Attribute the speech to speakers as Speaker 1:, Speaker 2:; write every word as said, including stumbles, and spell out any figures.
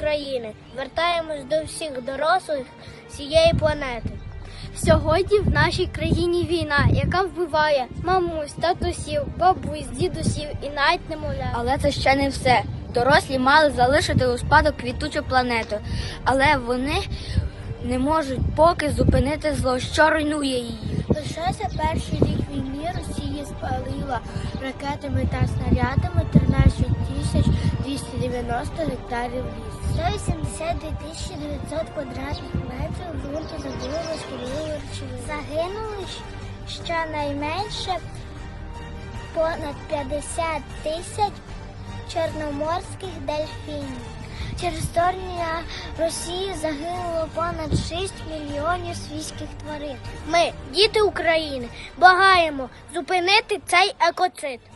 Speaker 1: України. Звертаємось до всіх дорослих цієї планети.
Speaker 2: Сьогодні в нашій країні війна, яка вбиває мамусь, татусів, бабусь, дідусів і навіть немовлят.
Speaker 3: Але це ще не все. Дорослі мали залишити у спадок квітучу планету, але вони не можуть поки зупинити зло, що руйнує її.
Speaker 1: Лише за перший рік війни Росія спалила ракетами та снарядами тринадцять тисяч двісті дев'яносто гектарів лісу. сто вісімдесят дві тисячі дев'ятсот квадратних метрів ґрунту забили шкідливі речовини. Загинули щонайменше понад п'ятдесят тисяч чорноморських дельфінів. Через вторгнення Росії загинуло понад шість мільйонів свійських тварин. Ми, діти України, благаємо зупинити цей екоцид.